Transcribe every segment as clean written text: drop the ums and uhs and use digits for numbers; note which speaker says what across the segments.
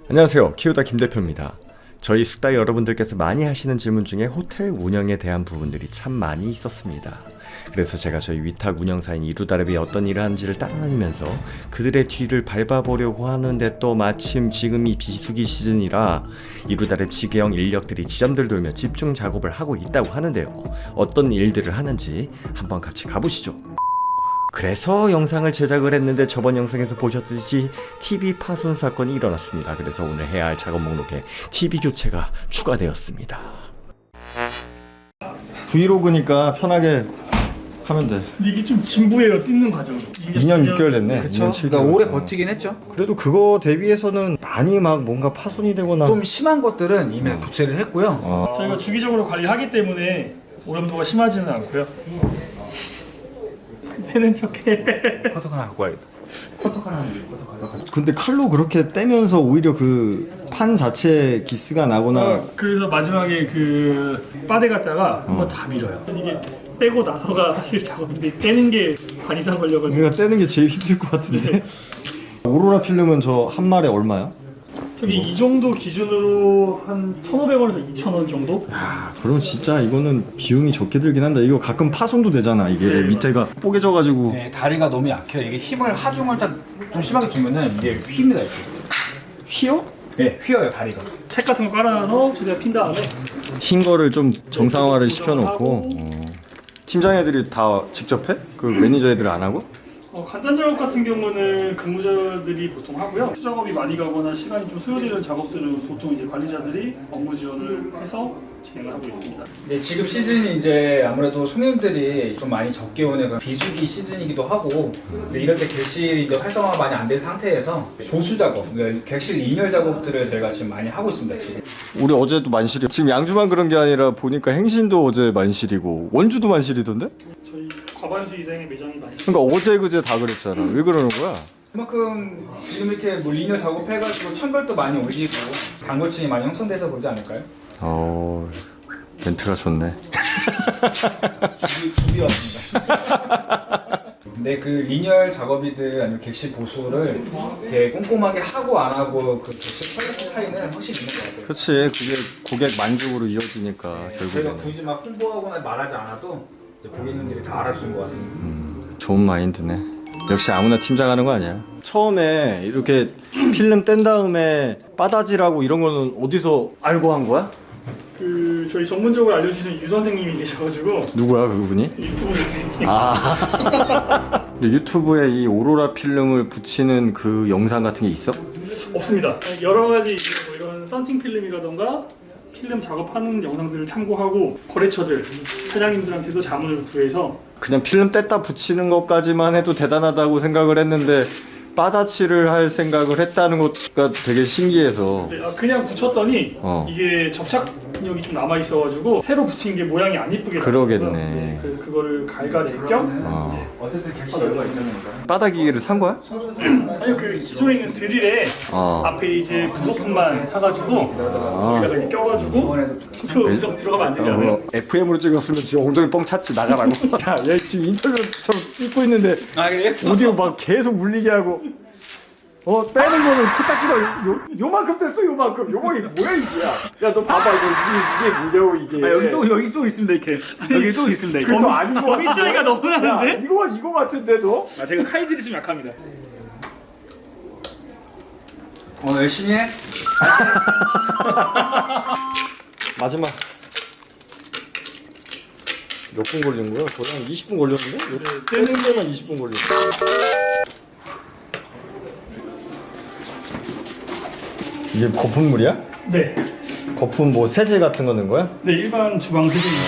Speaker 1: 안녕하세요, 키우다 김대표입니다. 저희 숙달 여러분들께서 많이 하시는 질문 중에 호텔 운영에 대한 부분들이 참 많이 있었습니다. 그래서 제가 저희 위탁 운영사인 이루다랩이 어떤 일을 하는지를 따라다니면서 그들의 뒤를 밟아보려고 하는데 또 마침 지금이 비수기 시즌이라 이루다랩 지게형 인력들이 지점들 돌며 집중 작업을 하고 있다고 하는데요. 어떤 일들을 하는지 한번 같이 가보시죠. 그래서 영상을 제작을 했는데 저번 영상에서 보셨듯이 TV 파손 사건이 일어났습니다. 그래서 오늘 해야 할 작업 목록에 TV 교체가 추가되었습니다. 브이로그니까 편하게 하면 돼.
Speaker 2: 근데 이게 좀 진부해요, 뜯는 과정이.
Speaker 1: 2년 6개월 됐네.
Speaker 3: 그쵸.
Speaker 1: 2년 7개월.
Speaker 3: 그러니까 오래 버티긴 했죠.
Speaker 1: 그래도 그거 대비해서는 많이 막 뭔가 파손이 되거나
Speaker 3: 좀 심한 것들은 이미 교체를 했고요.
Speaker 2: 저희가 주기적으로 관리하기 때문에 오염도가 심하지는 않고요. 되는 척해.
Speaker 3: 커터 하나 갖고 와야겠다. 커터 하나 줘. 커터 하나.
Speaker 1: 근데 칼로 그렇게 떼면서 오히려 그 판 자체 기스가 나거나
Speaker 2: 그래서 마지막에 그 빠데 갖다가 한번 다 밀어요. 이게 떼고 나서가 사실 작업인데 떼는 게 반 이상 걸려가지고.
Speaker 1: 우리가 떼는 게 제일 힘들 것 같은데. 오로라 필름은 저 한 마리 얼마야?
Speaker 2: 저기 이 정도 기준으로 한 1,500원에서 2,000원 정도?
Speaker 1: 아, 그럼 진짜 이거는 비용이 적게 들긴 한다. 이거 가끔 파손도 되잖아. 이게
Speaker 2: 네,
Speaker 1: 밑에가 뽀개져가지고.
Speaker 3: 네, 다리가 너무 약해요. 이게 힘을 하중을 딱 좀 심하게 주면은 이게 휩니다 이렇게.
Speaker 1: 휘어?
Speaker 3: 네, 휘어요 다리가.
Speaker 2: 책 같은 거 깔아놔서 최대한 핀 다음에
Speaker 1: 흰 거를 좀 정상화를 시켜놓고. 팀장 애들이 다 직접 해? 그 매니저 애들 안 하고?
Speaker 2: 간단 작업 같은 경우는 근무자들이 보통 하고요. 수작업이 많이 가거나 시간이 좀 소요되는 작업들은 보통 이제 관리자들이 업무 지원을 해서 진행을 하고 있습니다.
Speaker 3: 네, 지금 시즌이 이제 아무래도 손님들이 좀 많이 적게 오는 그 비수기 시즌이기도 하고, 근데 이럴 때 객실이 이제 활성화가 많이 안 된 상태에서 보수 작업, 그러니까 객실 리뉴얼 작업들을 저희가 지금 많이 하고 있습니다. 지금.
Speaker 1: 우리 어제도 만실이. 지금 양주만 그런 게 아니라 보니까 행신도 어제 만실이고 원주도 만실이던데?
Speaker 2: 저희 과반수 이상의 매장이 많이
Speaker 1: 그러니까 어제 그제 다 그랬잖아. 왜 그러는 거야?
Speaker 3: 그만큼 지금 이렇게 뭐 리뉴얼 작업해가지고 천걸도 많이 올리고 단골층이 많이 형성돼서 그러지 않을까요?
Speaker 1: 멘트가 좋네.
Speaker 3: 준비 왔습니다. 근데 그 리뉴얼 작업이든 아니면 객실 보수를 되게 꼼꼼하게 하고 안 하고 그 객실 퀄리티 차이는 확실히 있는 것 같아요.
Speaker 1: 그렇지. 그게 고객 만족으로 이어지니까
Speaker 3: 저희가
Speaker 1: 결국에는.
Speaker 3: 굳이 막 홍보하거나 말하지 않아도 이제 고객님들이 다 알아주는 것 같습니다.
Speaker 1: 좋은 마인드네. 역시 아무나 팀장 하는 거 아니야. 처음에 이렇게 필름 뗀 다음에 빠다지라고 이런 거는 어디서 알고 한 거야?
Speaker 2: 그 저희 전문적으로 알려주시는 유 선생님이 계셔가지고
Speaker 1: 누구야 그분이?
Speaker 2: 유튜브 선생님.
Speaker 1: 유튜브에 이 오로라 필름을 붙이는 그 영상 같은 게 있어?
Speaker 2: 없습니다. 여러 가지 뭐 이런 썬팅 필름이라던가 필름 작업하는 영상들을 참고하고 거래처들 사장님들한테도 자문을 구해서
Speaker 1: 그냥 필름 뗐다 붙이는 것까지만 해도 대단하다고 생각을 했는데 빠다치를 할 생각을 했다는 것가 되게 신기해서.
Speaker 2: 네, 그냥 붙였더니 이게 접착력이 좀 남아 있어가지고 새로 붙인 게 모양이 안 이쁘게
Speaker 1: 그러겠네.
Speaker 2: 나왔더라고요. 네, 그래서 그거를 갈가낼 겸
Speaker 3: 어쨌든 객실 열과 있는 거니까.
Speaker 1: 빠다기계를 산 거야?
Speaker 2: 아니요, 그 기존에 있는 드릴에 앞에 이제 부속품만 사가지고 여기다가 이렇게 껴가지고 저 음성 들어가면 안 되지 않아요?
Speaker 1: FM으로 찍었으면 지금 엉덩이 뻥 찼지 나가라고. 야, 얘 지금 인터뷰처럼 찍고 있는데
Speaker 3: 아 그래요?
Speaker 1: 오디오 막 계속 물리게 하고. 떼는 거는 코딱지가 요만큼 됐어. 요만큼 이게 뭐야 이게. 야 너 봐봐 이게 뭐냐고 이게.
Speaker 2: 여기 좀 있습니다 이렇게. 여기 좀 있습니다 이렇게.
Speaker 1: 그거 아닌 거
Speaker 2: 범위 차이가 너무 나는데?
Speaker 1: 이거 같은데도?
Speaker 2: 제가 칼질이 좀 약합니다.
Speaker 3: 열심히 해.
Speaker 1: 마지막 몇 분 걸린 거야? 거의 한 20분 걸렸는데? 떼는 데만 20분 걸렸어. 이게 거품물이야?
Speaker 2: 네.
Speaker 1: 거품 뭐 세제 같은 거 넣은 거야?
Speaker 2: 네, 일반 주방 세제입니다.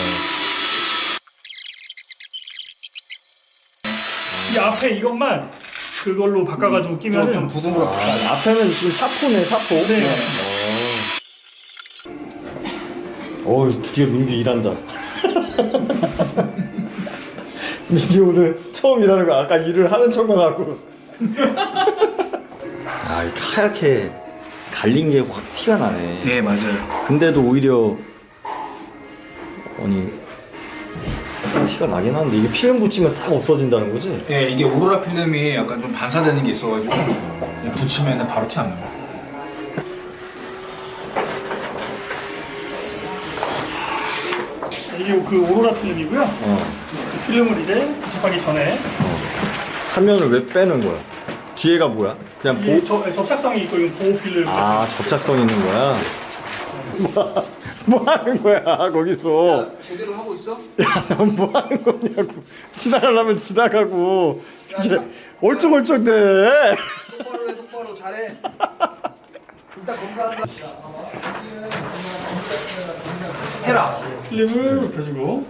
Speaker 2: 이 앞에 이것만 그걸로 바꿔가지고 끼면은
Speaker 3: 좀 부드럽고.
Speaker 1: 앞에는 지금 사포네 사포.
Speaker 2: 네.
Speaker 1: 드디어 민규 일한다. 민규 오늘 처음 일하는 거. 아까 일을 하는 척만 하고. 이렇게 하얗게 갈린 게 확 티가 나네.
Speaker 3: 네 맞아요.
Speaker 1: 근데도 오히려 티가 나긴 하는데 이게 필름 붙이면 싹 없어진다는 거지?
Speaker 3: 네 이게 오로라 필름이 약간 좀 반사되는 게 있어가지고 그냥 붙이면 바로 티 안 나요.
Speaker 2: 이게 그 오로라 필름이고요. 그 필름을 이제 부착하기 전에
Speaker 1: 화면을 왜 빼는 거야? 뒤에가 뭐야? 그냥
Speaker 2: 이게 접착성이 있고 이건 보호 필름.
Speaker 1: 아, 접착성 있는 거야? 뭐 하는 거야 거기서?
Speaker 4: 제대로 하고 있어?
Speaker 1: 야, 넌 뭐 하는 거냐고. 지나가려면 지나가고 이게 얼쩍얼쩍대.
Speaker 4: 똑바로 해, 똑바로 잘해. 일단 검사한다.
Speaker 3: 헤라.
Speaker 2: 필름을 눕혀주고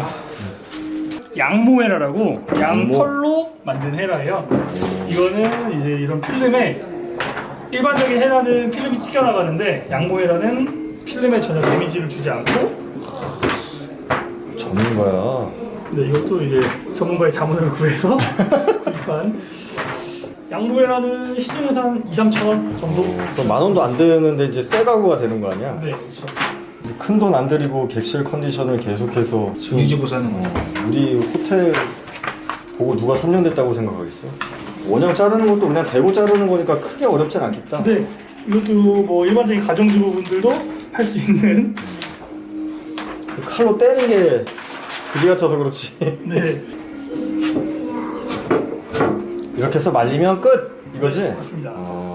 Speaker 2: 양모헤라라고 양털로 만든 헤라예요. 이거는 이제 이런 필름에 일반적인 헤라는 필름이 찢겨 나가는데 양모헤라는 필름에 전혀 데미지를 주지 않고.
Speaker 1: 전문가야.
Speaker 2: 네, 이것도 이제 전문가의 자문을 구해서 구입한. 양모헤라는 시중에서 한 2-3천 원 정도.
Speaker 1: 그럼 10,000원도 안 되는데 이제 새 가구가 되는 거 아니야?
Speaker 2: 네, 그렇죠.
Speaker 1: 큰 돈 안 들이고 객실 컨디션을 계속해서 지금
Speaker 3: 유지보수하는 거.
Speaker 1: 우리 호텔 보고 누가 3년 됐다고 생각하겠어? 원형 자르는 것도 그냥 대고 자르는 거니까 크게 어렵진 않겠다.
Speaker 2: 근데 이것도 뭐 일반적인 가정주부분들도 할 수 있는.
Speaker 1: 그 칼로 떼는 게 그지 같아서 그렇지.
Speaker 2: 네,
Speaker 1: 이렇게 해서 말리면 끝! 이거지?
Speaker 2: 맞습니다.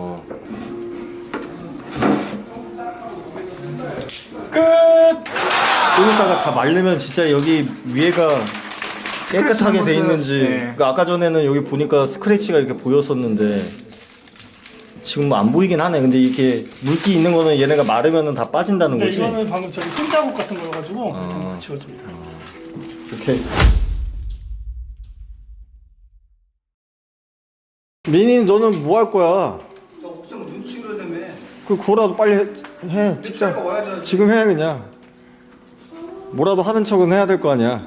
Speaker 2: 끝.
Speaker 1: 그러니까 다 말리면 진짜 여기 위에가 깨끗하게 돼 있는지.
Speaker 3: 네.
Speaker 1: 그러니까 아까 전에는 여기 보니까 스크래치가 이렇게 보였었는데 지금 뭐 안 보이긴 하네. 근데 이렇게 물기 있는 거는 얘네가 마르면 다 빠진다는
Speaker 2: 근데
Speaker 1: 거지.
Speaker 2: 이거는 방금 저기 손자국 같은 거여가지고 이렇게 지워집니다.
Speaker 1: 이렇게. 민희 너는 뭐 할 거야?
Speaker 4: 너 옥상 눈치 그러다며.
Speaker 1: 그거라도 빨리 해.
Speaker 4: 차이가
Speaker 1: 직접
Speaker 4: 와야지.
Speaker 1: 지금 해 그냥. 뭐라도 하는 척은 해야 될 거 아니야.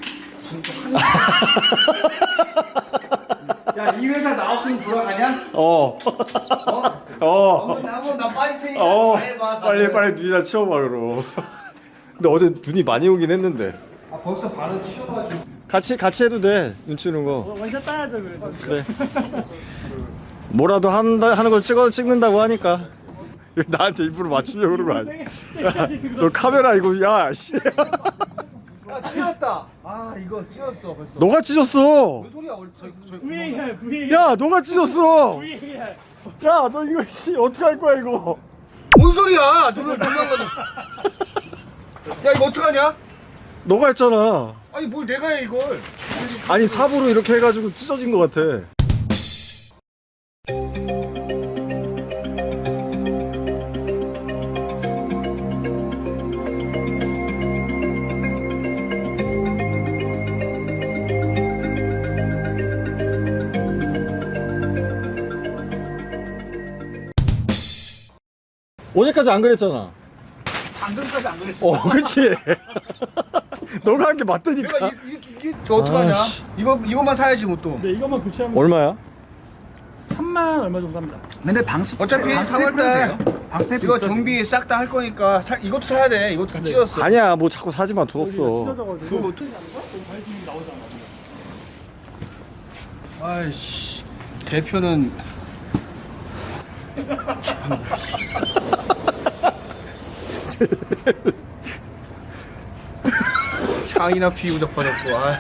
Speaker 4: 야, 이 회사 나 없으면 돌아가냐? 한번 나 빠질 테니까 잘해봐.
Speaker 1: 빨리 눈이나 치워봐 그럼. 근데 어제 눈이 많이 오긴 했는데.
Speaker 4: 아, 벌써 반은 치워가지고.
Speaker 1: 같이 해도 돼. 눈 치우는 거.
Speaker 2: 원샷 따야죠 그래도.
Speaker 1: 그래. 뭐라도 하는 걸 찍는다고 하니까. 이거 나한테 일부러 맞추려고 그런 거 아니야? 야, 너 카메라 이거 야 씨.
Speaker 4: 아, 찢었다. 아, 이거 찢었어 벌써.
Speaker 1: 너가 찢었어.
Speaker 4: 무슨 소리야?
Speaker 2: VAR.
Speaker 1: 야 너가 찢었어.
Speaker 2: VAR.
Speaker 1: 야 너 이거 씨 어떻게 할 거야 이거?
Speaker 4: 뭔 소리야? 눈을 도망가자. 야, 이거 어떡하냐?
Speaker 1: 너가 했잖아.
Speaker 4: 아니, 뭘 내가 해 이걸?
Speaker 1: 아니 삽으로 이렇게 해가지고 찢어진 것 같아. 어제까지 안 그랬잖아.
Speaker 4: 방금까지 안 그랬어.
Speaker 1: 그렇지. 너가 한 게 맞다니까.
Speaker 4: 내가 이게 어떡하냐?
Speaker 1: 아이씨.
Speaker 4: 이거만 사야지 뭐 또.
Speaker 2: 네, 이것만 교체하면
Speaker 1: 얼마야?
Speaker 2: 3만 얼마 정도 합니다.
Speaker 3: 근데 방수
Speaker 4: 어차피
Speaker 3: 방 스테이플
Speaker 4: 3월달
Speaker 3: 돼요? 방 스테이플
Speaker 4: 이거
Speaker 3: 있어,
Speaker 4: 정비 싹 다 할 거니까 이것도 사야 돼. 이것도 다 찢었어.
Speaker 1: 아니야 뭐 자꾸 사지마 돈
Speaker 2: 여기가
Speaker 1: 없어.
Speaker 2: 찢어져가지고
Speaker 4: 그거 뭐
Speaker 2: 발품이 나오잖아.
Speaker 4: 아이씨, 대표는 향이나 피우적 받았고. 아,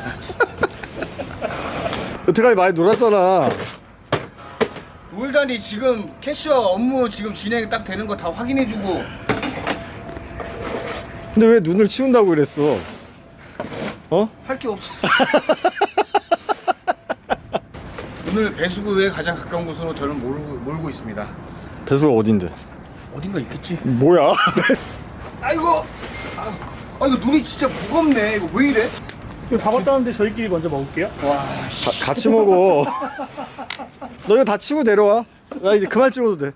Speaker 1: 여태까지 많이 놀았잖아.
Speaker 4: 놀다니 지금 캐셔 업무 지금 진행 딱 되는 거 다 확인해주고.
Speaker 1: 근데 왜 눈을 치운다고 그랬어? 어?
Speaker 4: 할 게 없었어. 오늘 배수구에 가장 가까운 곳으로 저는 몰고 있습니다.
Speaker 1: 배수가 어딘데?
Speaker 4: 어딘가 있겠지.
Speaker 1: 뭐야?
Speaker 4: 아이고, 이거 눈이 진짜 무겁네. 이거 왜 이래?
Speaker 2: 이거 밥 왔다는데 저희끼리 먼저 먹을게요.
Speaker 1: 같이 먹어. 너 이거 다 치고 내려와. 나 이제 그만 찍어도 돼.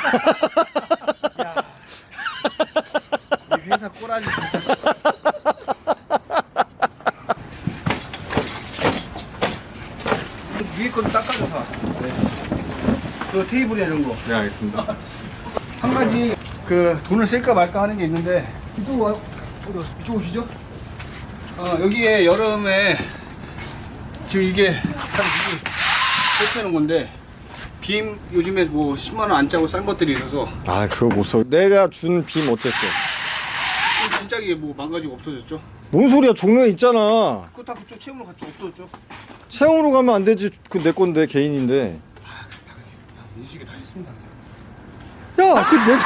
Speaker 4: 이 회사 꼬라지 진짜. 위에 것도 닦아줘 봐. 그 테이블에 이런 거.
Speaker 1: 네 알겠습니다.
Speaker 4: 한 가지 그 돈을 쓸까 말까 하는 게 있는데 이쪽 와. 이쪽 오시죠. 여기에 여름에 지금 이게 다 설치하는 건데 빔 요즘에 뭐 10만 원 안 짜고 싼 것들이 있어서
Speaker 1: 아 그거 못 써. 내가 준 빔 어쨌어?
Speaker 4: 진작에 뭐 망가지고 없어졌죠.
Speaker 5: 뭔 소리야? 종로에 있잖아.
Speaker 4: 그거 다 그쪽 채용으로 갔죠. 없어졌죠.
Speaker 5: 채용으로 가면 안 되지. 그 내 건데 개인인데.
Speaker 4: 민식이 다 했습니다.
Speaker 5: 야, 그내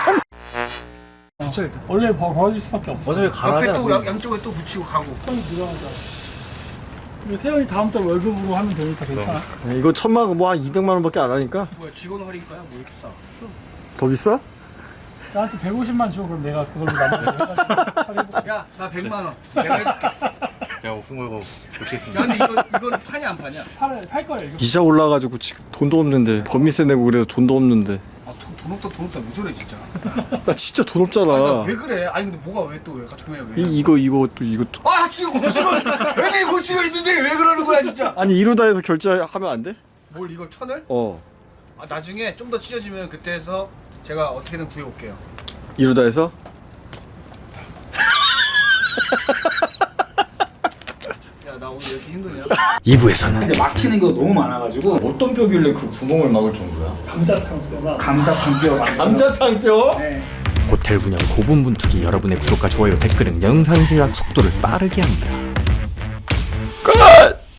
Speaker 2: 원래 벌어질 수밖에 없어.
Speaker 3: 어차피
Speaker 4: 옆에 또 양쪽에 또 붙이고 가고.
Speaker 2: 세연이 들어가자. 이거 세연이 다음 달 월급으로 하면 되니까 괜찮아.
Speaker 5: 이거 1,000만 뭐 한 200만 원밖에 안 하니까.
Speaker 4: 뭐야 직원 할인가야? 뭐 이렇게 싸?
Speaker 5: 더 비싸?
Speaker 2: 나한테 150만 줘. 그럼 내가 그걸로 나머지
Speaker 4: 야, 나 100만 원. 내가 해줄게.
Speaker 6: 제가 목숨 걸고
Speaker 4: 야,
Speaker 6: 고치겠습니다.
Speaker 4: 근데 이거는 파냐 안 파냐?
Speaker 2: 팔 거야 이거.
Speaker 5: 이자 올라가지고 지금 돈도 없는데 법인세 내고 그래서 돈도 없는데.
Speaker 4: 아, 돈 없다 왜 저래 진짜?
Speaker 5: 나 진짜 돈
Speaker 4: 아니, 나
Speaker 5: 없잖아.
Speaker 4: 왜 그래? 아니 근데 뭐가 왜 또 왜 같은 거야 왜?
Speaker 5: 이거 또.
Speaker 4: 아 지금 고치고 애들이 고치고 있는데 왜 그러는 거야 진짜?
Speaker 5: 아니 이루다에서 결제하면 안 돼?
Speaker 4: 뭘 이걸 1,000을?
Speaker 5: 어.
Speaker 4: 아 나중에 좀 더 찢어지면 그때 해서 제가 어떻게든 구해올게요.
Speaker 5: 이루다에서?
Speaker 4: 야 나 오늘 왜 이렇게 힘드냐?
Speaker 1: 2부에서는
Speaker 3: 이제 막히는 거 너무 많아가지고
Speaker 5: 어떤 뼈길래 그 구멍을 막을 정도야?
Speaker 2: 감자탕
Speaker 3: 감자탕뼈
Speaker 5: 감자탕뼈?
Speaker 3: 네.
Speaker 1: 호텔 운영 고분분투기 여러분의 구독과 좋아요 댓글은 영상 제작 속도를 빠르게 합니다.